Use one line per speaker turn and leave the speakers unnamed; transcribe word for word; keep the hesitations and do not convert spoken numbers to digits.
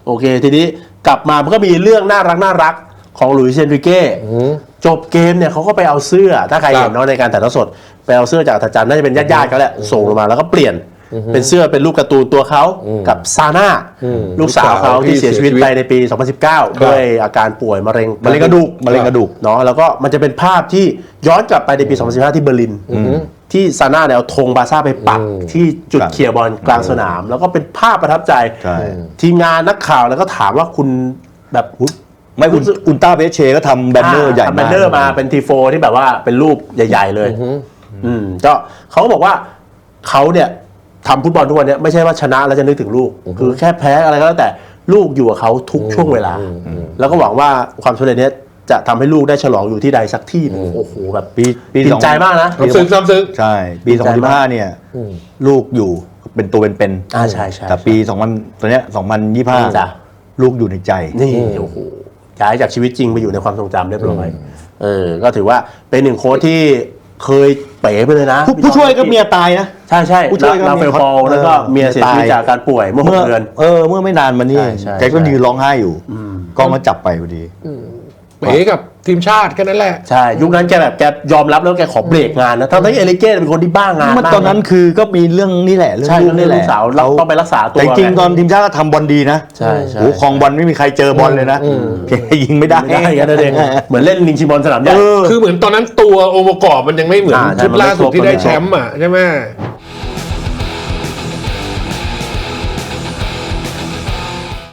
โอเคทีนี้กลับมามันก็มีเรื่องน่ารักน่ารักของหลุยส์เซนริเก้จบเกมเนี่ยเขาก็ไปเอาเสื้อถ้าใครเห็นเนาะในการถ่ายทอดสดไปเอาเสื้อจากอาจารย์น่าจะเป็นญาติๆเขาแหละส่งลงมาแล้วก็เปลี่ยนเป็นเสื้อเป็นรูปการ์ตูนตัวเขากับซาน่าลูกสาวเขาที่เสียชีวิตไปในปีสองพันสิบเก้าด้วยอาการป่วยมะเร็งมะเร็งกระดูกมะเร็งกระดูกเนาะแล้วก็มันจะเป็นภาพที่ย้อนกลับไปในปีสองพันสิบห้าที่เบอร์ลินที่ซาน่าเนี่ยเอาธงบาร์ซ่าไปปักที่จุดเคลียร์บอลกลางสนามแล้วก็เป็นภาพประทับใจทีมงานนักข่าวแล้วก็ถามว่าคุณแบบ
ไม่อุลอุลตร้าเบสเชก็ทำแบนเนอร์ใหญ่มาก
แบนเนอร์มาเป็นทีโฟที่แบบว่าเป็นรูปใหญ่ๆเลยอืมก็เขาบอกว่าเขาเนี่ยทำฟุตบอลทุกวันนี้ไม่ใช่ว่าชนะแล้วจะนึกถึงลูกคือแค่แพ้อะไรก็แล้วแต่ลูกอยู่กับเขาทุกช่วงเวลาแล้วก็หวังว่าความสำเร็จนี้จะทำให้ลูกได้ฉลองอยู่ที่ใดสักที่โอ้โหแบบปีปีดีใจมากนะ
ซึ้งซ้ำซึ้ง
ใช่ปีสองพันสิบห้าเนี่ยลูกอยู่เป็นตัวเป็นๆ
อ่าใช่ใช่
แต่ปีสองพันตัวเนี้ยสองพันยี่สิบห้าลูกอยู่ในใจ
นี่โอ้โหย้ายจากชีวิตจริงไปอยู่ในความทรงจำเรียบร้อยเออก็ถือว่าเป็นหนึ่งโค้ชที่เคยเป๋ไปเลยนะ
ผู้ช่วยก็เมียตายนะ
ใช่ใช่ผู้ช่วยก็ลาเฟลฟอลแล้วก็เมียเสียชีวิตจากการป่วยเมื่อหกเดือน
เออเมื่อไม่นานมานี้แกก็ยืนร้องไห้อยู่กล้องมาจับไปพอดี
เป๋กับทีมชาติแค่นั้นแหละ
ใช่ยุคนั้นแกแบบแกยอมรับแล้วแกขอเบรกงานนะทั้งที่เอลิเก้เป็นคนที่บ้างาน
ตอนนั้นคือก็มีเรื่องนี่แหละเรื่องลูกนี่แหละ
สาวต้องไปรักษาตัว
แต่จริงตอนทีมชาติก็ทำบอลดีนะ
ใช่ใช่
โอ้คลองบอลไม่มีใครเจอบอลเลยนะเพียงยิงไม่ได้
ไม่ได้กันเองเหมือนเล่นลิงชิมบอลสนามใหญ่
คือเหมือนตอนนั้นตัวองค์ประกอบมันยังไม่เหมือนชุดล่าสุดที่ได้แชมป์อ่ะใช่ไหม